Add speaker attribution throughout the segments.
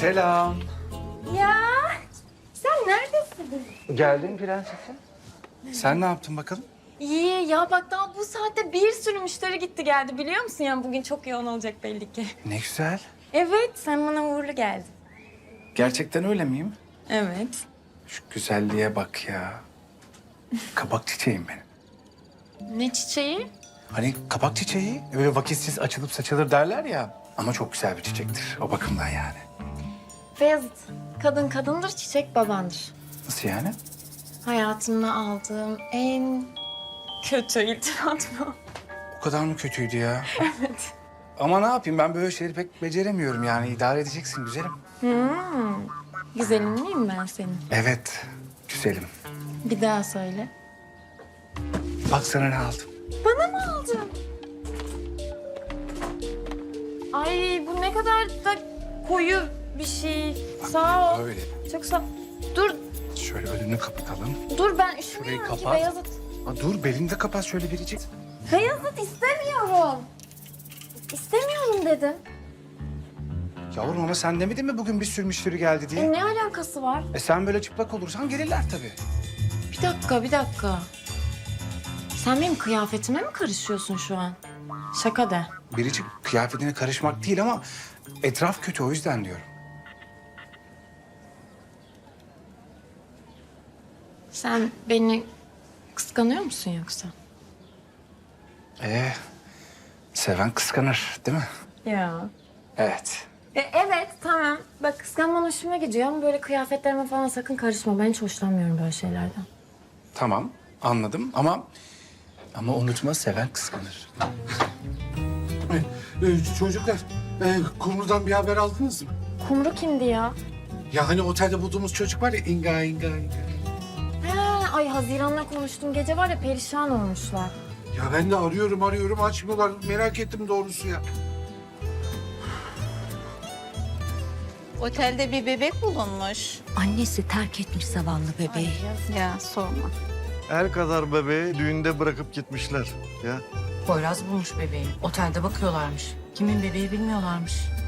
Speaker 1: Selam.
Speaker 2: Ya sen neredesin?
Speaker 1: Geldim prensesim. Sen ne yaptın bakalım?
Speaker 2: İyi ya bak daha bu saatte bir sürü müşteri gitti geldi biliyor musun? Yani bugün çok yoğun olacak belli ki.
Speaker 1: Ne güzel.
Speaker 2: Evet sen bana uğurlu geldin.
Speaker 1: Gerçekten öyle miyim?
Speaker 2: Evet.
Speaker 1: Şu güzelliğe bak ya. Kabak çiçeğim benim.
Speaker 2: Ne çiçeği?
Speaker 1: Hani kabak çiçeği öyle vakitsiz açılıp saçılır derler ya. Ama çok güzel bir çiçektir o bakımdan yani.
Speaker 2: Beyazıt. Kadın kadındır, çiçek babandır.
Speaker 1: Nasıl yani?
Speaker 2: Hayatımda aldığım en kötü iltifat bu.
Speaker 1: O kadar mı kötüydü ya? Evet. Ama ne yapayım ben böyle şeyleri pek beceremiyorum yani. İdare edeceksin güzelim.
Speaker 2: Güzelim miyim ben senin?
Speaker 1: Evet güzelim.
Speaker 2: Bir daha söyle.
Speaker 1: Bak sana ne aldım.
Speaker 2: Bana mı aldın? Ay bu ne kadar da koyu bir şey. Sağ ol.
Speaker 1: Böyle.
Speaker 2: Çok sağ ol. Dur,
Speaker 1: Şöyle önünü kapatalım.
Speaker 2: dur ben
Speaker 1: Şurayı
Speaker 2: üşümüyorum ki
Speaker 1: kapat.
Speaker 2: Beyazıt.
Speaker 1: Ha, dur belini de kapat şöyle biricik.
Speaker 2: Beyazıt istemiyorum. İstemiyorum dedim.
Speaker 1: Yavrum ama sen demedin mi bugün bir sürü müşteri geldi diye?
Speaker 2: Ne alakası var?
Speaker 1: Sen böyle çıplak olursan gelirler tabii.
Speaker 2: Bir dakika. Sen benim kıyafetime mi karışıyorsun şu an? Şaka de.
Speaker 1: Biricik kıyafetine karışmak değil ama etraf kötü o yüzden diyorum.
Speaker 2: Sen beni kıskanıyor musun yoksa?
Speaker 1: Seven kıskanır değil mi?
Speaker 2: Ya.
Speaker 1: Evet.
Speaker 2: Evet tamam. Bak kıskanman hoşuma gidiyor ama böyle kıyafetlerime falan sakın karışma. Ben hiç hoşlanmıyorum böyle şeylerden.
Speaker 1: Tamam anladım ama unutma seven kıskanır.
Speaker 3: Çocuklar, Kumru'dan bir haber aldınız mı?
Speaker 2: Kumru kimdi ya?
Speaker 3: Ya hani otelde bulduğumuz çocuk var ya, İnga.
Speaker 2: He, ay Haziran'la konuştum. Gece var ya perişan olmuşlar.
Speaker 3: Ya ben de arıyorum açmıyorlar. Merak ettim doğrusu ya.
Speaker 4: Otelde bir bebek bulunmuş.
Speaker 5: Annesi terk etmiş zavallı bebeği.
Speaker 4: Ya sorma.
Speaker 6: El kadar bebeği düğünde bırakıp gitmişler. Ya
Speaker 5: Poyraz bulmuş bebeği. Otelde bakıyorlarmış. Kimin bebeği bilmiyorlarmış.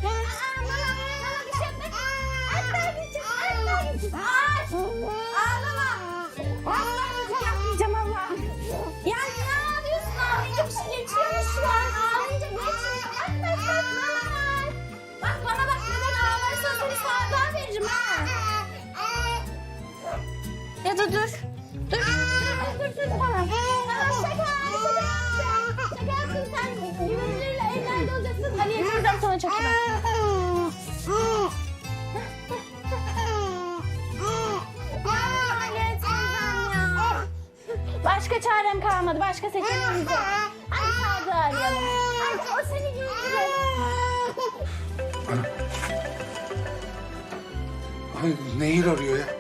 Speaker 2: Ya da dur. Dur.
Speaker 7: Tamam. Şaka yaptım sen. Güvenilirle evlerde olacaksın. Hani teyzem sana çok iyi bak. Başka çarem kalmadı. Başka seçeneğimiz yok. Hadi Sadık'ı arayalım. Hadi o seni güldürür.
Speaker 3: Ay, Nehir arıyor ya.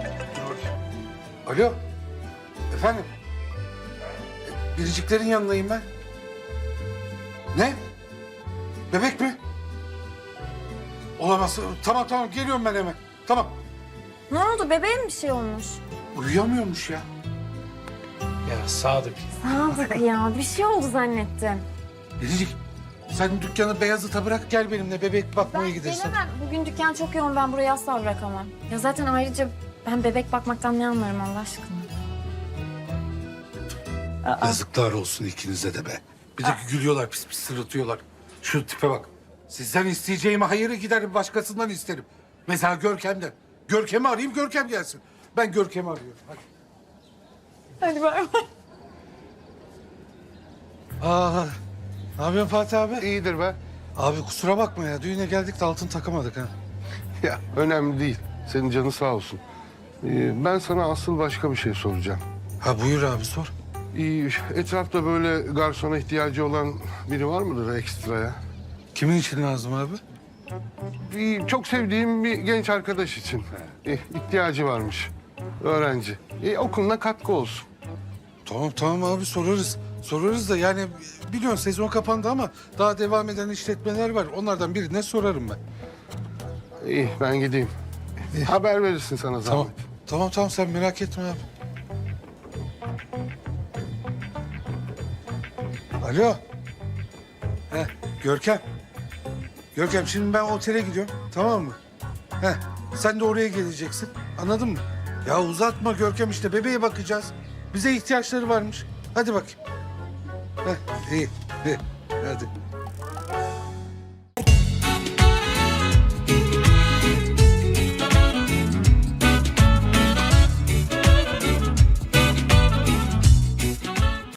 Speaker 3: Alo. Efendim. Biriciklerin yanındayım ben. Ne? Bebek mi? Olamaz. Tamam geliyorum ben hemen. Tamam.
Speaker 2: Ne oldu? Bebeğe mi bir şey olmuş?
Speaker 3: Uyuyamıyormuş ya.
Speaker 1: Ya Sadık.
Speaker 2: Sadık ya. Bir şey oldu zannettim.
Speaker 3: Biricik sen dükkanı Beyazıt'a bırak gel benimle bebek bakmaya
Speaker 2: Ben
Speaker 3: gidersin.
Speaker 2: gelemem. Bugün dükkan çok yoğun. Ben burayı asla bırakamam. Ya zaten ayrıca ben bebek bakmaktan ne anlarım Allah aşkına?
Speaker 3: Yazıklar olsun ikinize de be. Bir de gülüyorlar pis pis sırıtıyorlar. Şu tipe bak. Sizden isteyeceğime hayırı giderim başkasından isterim. Mesela Görkem'den. Görkem'i arayayım Görkem gelsin. Ben Görkem'i arıyorum. Hadi.
Speaker 2: Hadi bay bay.
Speaker 3: Ne yapıyorsun Fatih abi?
Speaker 6: iyidir be.
Speaker 3: Abi kusura bakma ya. Düğüne geldik de altın takamadık ha.
Speaker 6: Ya önemli değil. Senin canın sağ olsun. Ben sana asıl başka bir şey soracağım.
Speaker 3: Ha buyur abi sor.
Speaker 6: Etrafta böyle garsona ihtiyacı olan biri var mıdır ekstraya?
Speaker 3: Kimin için lazım abi?
Speaker 6: Çok sevdiğim bir genç arkadaş için. İhtiyacı varmış. Öğrenci. Okuluna katkı olsun.
Speaker 3: Tamam abi sorarız. Sorarız da yani biliyorsun sezon kapandı ama daha devam eden işletmeler var. Onlardan birine sorarım ben.
Speaker 6: İyi ben gideyim. Haber verirsin sana zahmet.
Speaker 3: Tamam sen merak etme abi. Alo. Görkem. Görkem şimdi ben otele gidiyorum tamam mı? Heh, sen de oraya geleceksin. Anladın mı? Ya uzatma Görkem, işte bebeğe bakacağız. Bize ihtiyaçları varmış. Hadi bakayım. Heh, iyi. Hadi.